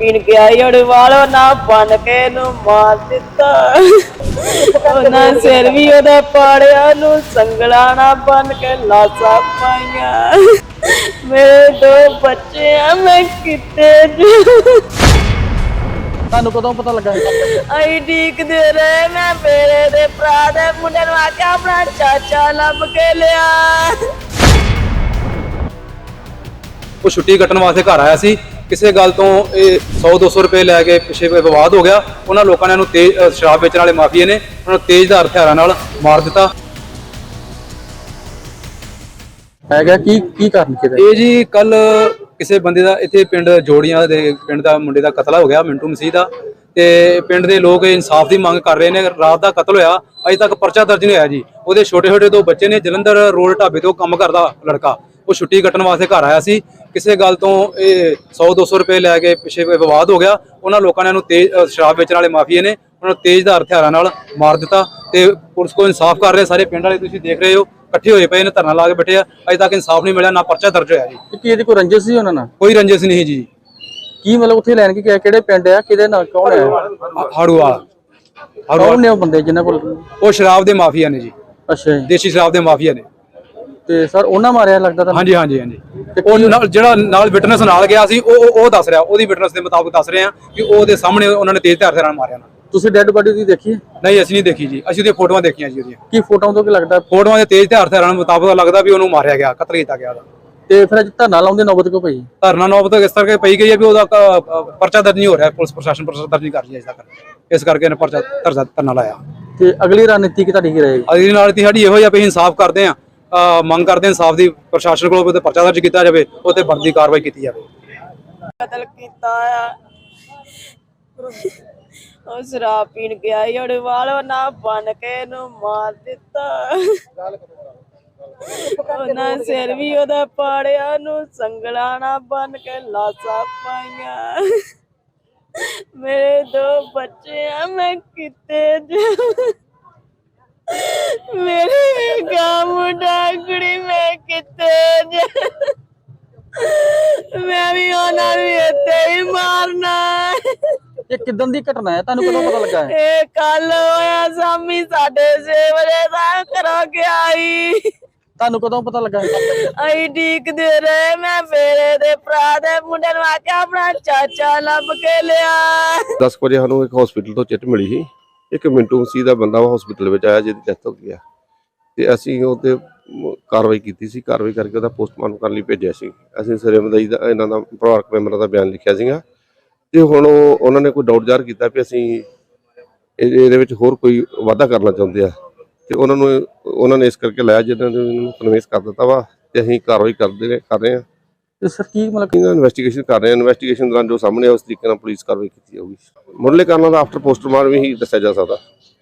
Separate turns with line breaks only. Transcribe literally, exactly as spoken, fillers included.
ਪੀਣ ਗਿਆ ਅੜਵਾਲੋ ਨਾ ਬਣ ਕੇ ਨੂੰ ਮਾਰ ਦਿੱਤਾ। ਉਹਨਾਂ ਸਿਰ ਵੀ ਉਹਦਾ ਪਾੜਿਆ ਨੂੰ ਸੰਗਲਾ ਨਾ ਬਣ ਕੇ ਲਾਸਾਂ ਪਾਈਆਂ। ਮੇਰੇ ਦੋ ਬੱਚੇ ਆ ਮੈਂ ਕਿਤੇ
ਤੁਹਾਨੂੰ ਕਦੋਂ ਪਤਾ ਲੱਗਾ?
ਅਸੀਂ ਡੀਕਦੇ ਰਹੇ। ਮੈਂ ਮੇਰੇ ਦੇ ਭਰਾ ਦੇ ਮੁੰਡੇ ਨੂੰ ਆਖਿਆ ਆਪਣਾ ਚਾਚਾ ਲੱਭ ਕੇ ਲਿਆ।
ਉਹ ਛੁੱਟੀ ਕੱਟਣ ਵਾਸਤੇ ਘਰ ਆਇਆ ਸੀ। ਕਿਸੇ ਗੱਲ ਤੋਂ ਇਹ ਸੌ ਦੋ ਸੌ ਰੁਪਏ ਲੈ ਕੇ ਪਿੱਛੇ ਵਿਵਾਦ ਹੋ ਗਿਆ। ਉਹਨਾਂ ਲੋਕਾਂ ਨੇ ਇਹਨੂੰ ਤੇਜ਼ ਸ਼ਰਾਬ ਵੇਚਣ ਵਾਲੇ ਮਾਫੀਏ ਨੇ ਉਹਨਾਂ ਨੂੰ ਤੇਜ਼ਧਾਰ ਹਥਿਆਰਾਂ ਨਾਲ ਮਾਰ ਦਿੱਤਾ।
ਹੈਗਾ ਕੀ ਕੀ ਕਾਰਨ ਕਿਹਦਾ?
ਇਹ ਜੀ ਕੱਲ ਕਿਸੇ ਬੰਦੇ ਦਾ ਇੱਥੇ ਪਿੰਡ ਜੋੜੀਆਂ ਦੇ ਪਿੰਡ ਦਾ ਮੁੰਡੇ ਦਾ ਕਤਲ ਹੋ ਗਿਆ, ਮਿੰਟੂ ਮਸੀਹ ਦਾ। ਤੇ ਪਿੰਡ ਦੇ ਲੋਕ ਇਨਸਾਫ ਦੀ ਮੰਗ ਕਰ ਰਹੇ ਨੇ। ਰਾਤ ਦਾ ਕਤਲ ਹੋਇਆ, ਅਜੇ ਤੱਕ ਪਰਚਾ ਦਰਜ ਨਹੀਂ ਹੋਇਆ ਜੀ। ਉਹਦੇ ਛੋਟੇ ਛੋਟੇ ਦੋ ਬੱਚੇ ਨੇ। ਜਲੰਧਰ ਰੋਡ ਢਾਬੇ ਤੋਂ ਕੰਮ ਕਰਦਾ ਲੜਕਾ, ਉਹ ਛੁੱਟੀ ਕੱਟਣ ਵਾਸਤੇ ਘਰ ਆਇਆ ਸੀ। ਕਿਸੇ ਗੱਲ ਤੋਂ ਇਹ ਸੌ ਦੋ ਸੌ ਰੁਪਏ ਲੈ ਕੇ ਪਿੱਛੇ ਵਿਵਾਦ ਹੋ ਗਿਆ। ਉਹਨਾਂ ਲੋਕਾਂ ਨੇ ਇਹਨੂੰ ਤੇਜ਼ ਸ਼ਰਾਬ ਵੇਚਣ ਵਾਲੇ ਮਾਫੀਏ ਨੇ ਉਹਨਾਂ ਨੂੰ ਤੇਜ਼ਧਾਰ ਹਥਿਆਰਾਂ ਨਾਲ ਮਾਰ ਦਿੱਤਾ। ਤੇ ਪੁਲਿਸ ਕੋਲ ਇਨਸਾਫ ਕਰ ਰਹੇ ਸਾਰੇ ਪਿੰਡ ਵਾਲੇ, ਤੁਸੀਂ ਦੇਖ ਰਹੇ ਹੋ ਇਕੱਠੇ ਹੋਏ ਪਏ ਨੇ, ਧਰਨਾ ਲਾ ਕੇ ਬੈਠੇ ਆ। ਅਜੇ ਤੱਕ ਇਨਸਾਫ ਨਹੀਂ ਮਿਲਿਆ, ਨਾ ਪਰਚਾ ਦਰਜ ਹੋਇਆ ਜੀ।
ਕੀ ਇਹਦੀ ਕੋਈ ਰੰਜਿਸ਼ ਸੀ ਉਹਨਾਂ ਨਾਲ?
ਕੋਈ ਰੰਜਿਸ਼ ਨਹੀਂ ਜੀ।
ਕੀ ਮਤਲਬ ਉੱਥੇ ਲੈਣ ਕੀ ਗਿਆ? ਕਿਹੜੇ ਪਿੰਡ ਆ, ਕਿਹਦੇ ਨਾਲ, ਕੌਣ ਹੈ?
ਹਾੜੂਵਾਲ
ਕੌਣ ਨੇ ਉਹ ਬੰਦੇ ਜਿਨ੍ਹਾਂ ਕੋਲ?
ਉਹ ਸ਼ਰਾਬ ਦੇ ਮਾਫੀਆ ਨੇ ਜੀ,
ਅੱਛਾ ਜੀ।
ਦੇਸੀ ਸ਼ਰਾਬ ਦੇ ਮਾਫੀਆ ਨੇ।
ਤੇ ਸਰ ਉਹਨਾਂ ਮਾਰਿਆ ਲੱਗਦਾ ਤੁਹਾਨੂੰ?
ਹਾਂਜੀ ਹਾਂਜੀ ਹਾਂਜੀ। ਉਹ ਨਾਲ ਜਿਹੜਾ ਨਾਲ ਵਿਟਨੈਸ ਨਾਲ ਗਿਆ ਸੀ ਉਹ ਉਹ ਦੱਸ ਰਿਹਾ, ਉਹਦੀ ਵਿਟਨੈਸ ਦੇ ਮੁਤਾਬਕ ਦੱਸ ਰਹੇ ਆ ਕਿ ਉਹਦੇ ਸਾਹਮਣੇ ਉਹਨਾਂ ਨੇ ਤੇਜ਼ ਹਥਿਆਰਾਂ ਨਾਲ ਮਾਰਿਆ ਨਾ।
ਤੁਸੀਂ ਡੈੱਡ ਬਾਡੀ ਦੀ ਦੇਖੀ ਹੈ?
ਨਹੀਂ ਅਸੀਂ ਨਹੀਂ ਦੇਖੀ ਜੀ, ਅਸੀਂ ਉਹਦੀਆਂ ਫੋਟੋਆਂ ਦੇਖੀਆਂ ਜੀ। ਉਹਦੀਆਂ
ਕੀ ਫੋਟੋਆਂ ਤੋਂ ਕੀ ਲੱਗਦਾ?
ਫੋਟੋਆਂ ਦੇ ਤੇਜ਼ ਹਥਿਆਰਾਂ ਦੇ ਮੁਤਾਬਕ ਲੱਗਦਾ ਵੀ ਉਹਨੂੰ ਮਾਰਿਆ ਗਿਆ, ਕਤਲ ਕੀਤਾ ਗਿਆ ਉਹਦਾ।
ਤੇ ਫਿਰ ਅੱਜ ਧਰਨਾ ਲਾਉਂਦੇ ਨੌਬਤ ਕਿਉਂ ਪਈ?
ਧਰਨਾ ਨੌਬਤ ਇਸ ਕਰਕੇ ਪਈ ਗਈ ਹੈ ਵੀ ਉਹਦਾ ਪਰਚਾ ਦਰਜ ਨਹੀਂ ਹੋ ਰਿਹਾ। ਪੁਲਿਸ ਪ੍ਰਸ਼ਾਸਨ ਪਰਚਾ ਦਰਜ ਨਹੀਂ ਕਰ ਰਹੀ ਅਜੇ ਤੱਕ, ਇਸ ਕਰਕੇ ਇਹਨੇ ਪਰਚਾ ਧਰਨਾ ਲਾਇਆ।
ਤੇ ਅਗਲੀ ਰਣਨੀਤੀ ਕੀ ਤੁਹਾਡੀ ਕੀ ਰਹੇਗੀ?
ਅਗਲੀ ਨਾਲ ਸਾਡੀ ਇਹੋ ਜਿਹਾ ਵੀ ਇਨਸਾਫ ਕਰਦੇ ਆ, ਮੰਗ ਕਰਦੇ ਇਨਸਾਫ ਦੀ। ਪ੍ਰਸ਼ਾਸਨ ਕੋਲੋਂ ਉਹਦੇ ਪਰਚਾ ਦਰਜ ਕੀਤਾ ਜਾਵੇ, ਉਹ ਤੇ ਬਣਦੀ ਕਾਰਵਾਈ ਕੀਤੀ ਜਾਵੇ।
ਕਤਲ ਕੀਤਾ ਆ। ਉਹ ਸ਼ਰਾਬ ਪੀਣ ਗਿਆ ਅੜਵਾਲੋ ਨਾ ਬਣ ਕੇ ਨੂੰ ਮਾਰ ਦਿੱਤਾ। ਉਹਨਾਂ ਸਿਰ ਵੀ ਉਹਦਾ ਪਾੜਿਆ ਨੂੰ ਸੰਗਲਾ ਨਾ ਬਣ ਕੇ ਲਾਸਾਂ ਪਾਈਆਂ। ਮੇਰੇ ਦੋ ਬੱਚੇ ਆ ਮੈਂ ਕਿਤੇ ਮੇਰੇ ਗਾਂ ਮੁੰਡਾ ਕੁੜੀ ਮੈਂ ਕਿਤੇ ਮੈਂ ਵੀ ਉਹਨਾਂ ਨੂੰ ਇੱਥੇ ਹੀ ਮਾਰਨਾ।
ਇਹ ਕਿਦਾਂ ਦੀ ਘਟਨਾ ਹੈ, ਤੁਹਾਨੂੰ ਕਦੋਂ ਪਤਾ ਲੱਗਾ ਹੈ?
ਇਹ ਕੱਲ ਹੋਇਆ ਸ਼ਾਮੀ ਸਾਢੇ ਛੇ ਵਜੇ ਦਾ ਘਰੋਂ ਗਿਆ ਸੀ।
ਤੁਹਾਨੂੰ ਕਦੋਂ ਪਤਾ ਲੱਗਾ?
ਅਸੀਂ ਡੀਕਦੇ ਰਹੇ। ਮੈਂ ਮੇਰੇ ਦੇ ਭਰਾ ਦੇ ਮੁੰਡੇ ਨੂੰ ਆਖਿਆ ਆਪਣਾ ਚਾਚਾ ਲੱਭ ਕੇ ਲਿਆ।
ਦਸ ਵਜੇ ਸਾਨੂੰ ਇੱਕ ਹਸਪੀਟਲ ਤੋਂ ਚਿੱਟ ਮਿਲੀ ਸੀ। ਇੱਕ ਮਿੰਟੂ ਮਸੀਹ ਦਾ ਬੰਦਾ ਉਹ ਹਸਪੀਟਲ ਵਿੱਚ ਆਇਆ ਜਿਹਦੀ ਡੈਥ ਹੋ ਗਈ ਆ। ਤੇ ਅਸੀਂ ਉਹਤੇ ਕਾਰਵਾਈ ਕੀਤੀ ਸੀ। ਕਾਰਵਾਈ ਕਰਕੇ ਉਹਦਾ ਪੋਸਟਮਾਰਟਮ ਕਰਨ ਲਈ ਭੇਜਿਆ ਸੀ। ਅਸੀਂ ਸਰੇ ਮਦਈ ਦਾ ਇਹਨਾਂ ਦਾ ਪਰਿਵਾਰਕ ਮੈਂਬਰਾਂ ਦਾ ਬਿਆਨ ਲਿਖਿਆ ਸੀਗਾ। ਤੇ ਹੁਣ ਉਹ ਉਹਨਾਂ ਨੇ ਕੋਈ ਡਾਊਟ ਜ਼ਾਹਰ ਕੀਤਾ ਵੀ ਅਸੀਂ ਇਹਦੇ ਵਿੱਚ ਹੋਰ ਕੋਈ ਵਾਧਾ ਕਰਨਾ ਚਾਹੁੰਦੇ ਆ। ਤੇ ਉਹਨਾਂ ਨੂੰ ਉਹਨਾਂ ਨੇ ਇਸ ਕਰਕੇ ਲਾਇਆ ਜਿਹਨਾਂ ਨੇ ਉਹਨਾਂ ਨੂੰ ਕਨਵਿੰਸ ਕਰ ਦਿੱਤਾ ਵਾ। ਤੇ ਅਸੀਂ ਕਾਰਵਾਈ ਕਰਦੇ ਕਰ ਰਹੇ ਹਾਂ।
ਤੇ ਸਰ ਕੀ ਮਤਲਬ
ਇਹਨਾਂ ਇਨਵੈਸਟੀਗੇਸ਼ਨ ਕਰ ਰਹੇ ਹਾਂ। ਇਨਵੈਸਟੀਗੇਸ਼ਨ ਦੌਰਾਨ ਜੋ ਸਾਹਮਣੇ ਉਸ ਤਰੀਕੇ ਨਾਲ ਪੁਲਿਸ ਕਾਰਵਾਈ ਕੀਤੀ ਜਾਊਗੀ। ਮੁੱਢਲੇ ਕਾਰਨਾਂ ਦਾ ਆਫਟਰ ਪੋਸਟਮਾਰਟਮ ਹੀ ਦੱਸਿਆ ਜਾ ਸਕਦਾ।